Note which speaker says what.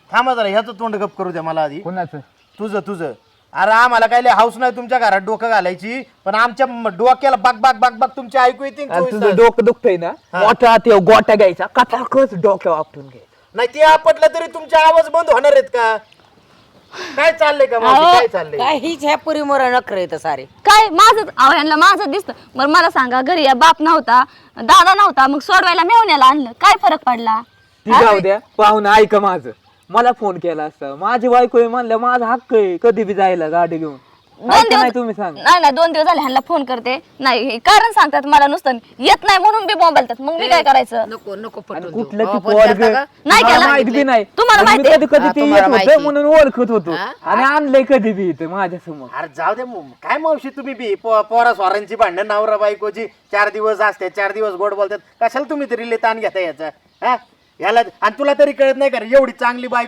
Speaker 1: थांबा जरा ह्याचं तोंड गप करू द्या मला आधी.
Speaker 2: कोणाचं?
Speaker 1: तुझं अरे आम्हाला काय लय हाऊस नाही तुमच्या घरात डोकं घालायची, पण आमच्या डोक्याला बाग बाग बाग बाग तुमची ऐकू येते ना
Speaker 2: आणि
Speaker 1: 24
Speaker 2: तुझं
Speaker 1: तास.
Speaker 2: डोकं दुखतंय ना, मोठा ते गोट्या घ्यायचा कटाकच डोक्यावर आपटून घ्यायचा.
Speaker 1: नाही ते आपटलं तरी तुमचे आवाज बंद होणार आहेत का? काय चाललंय का मावशी, काय चाललंय?
Speaker 3: काय हीच ह्या पुरी मोर नखरे येतं सारे.
Speaker 4: काय माझं अहो यांना माझं दिसतं. बरं मला सांगा, घरी या बाप नव्हता, दादा नव्हता, मग सोडवायला मेवण्याला आणलं, काय फरक पडला?
Speaker 2: ती जाऊ द्या, पाहुणं ऐका माझं. मला फोन केला असता, माझी बायको आहे म्हणलं माझा हक्क आहे कधी बी जायला गाडी घेऊन. ऐका नाही तुम्ही सांगा.
Speaker 4: नाही 2 दिवस झाले ह्यांना फोन करते, नाही हे कारण सांगतात मला, नुसतं येत नाही म्हणून बी बोंबलतात. मग मी काय करायचं?
Speaker 3: नको नको
Speaker 2: आणि
Speaker 3: पटवून
Speaker 2: कुठलं
Speaker 3: देऊ.
Speaker 2: ती
Speaker 3: फोन
Speaker 2: पोरग
Speaker 3: करता का?
Speaker 4: नाही केला.
Speaker 2: माहित बी नाही.
Speaker 4: तुम्हाला
Speaker 2: आणि मी
Speaker 4: माहिती आहे?
Speaker 2: कधी कधी ते
Speaker 3: तुम्हाला
Speaker 2: येत
Speaker 3: माहिती
Speaker 2: होतं म्हणून ओळखत होतो
Speaker 3: हा?
Speaker 2: आणि आणलंय कधी बी इथं माझ्या समोर.
Speaker 1: अरे जाऊ दे काय मावशी तुम्ही बी पोरा स्वारांची भांडण नवरा बायकोची 4 दिवस असते, 4 दिवस गोड बोलतात, कशाला तुम्ही तरी ताण घेता याचा? हा याला आणि तुला तरी कळत नाही का रे, एवढी चांगली बायको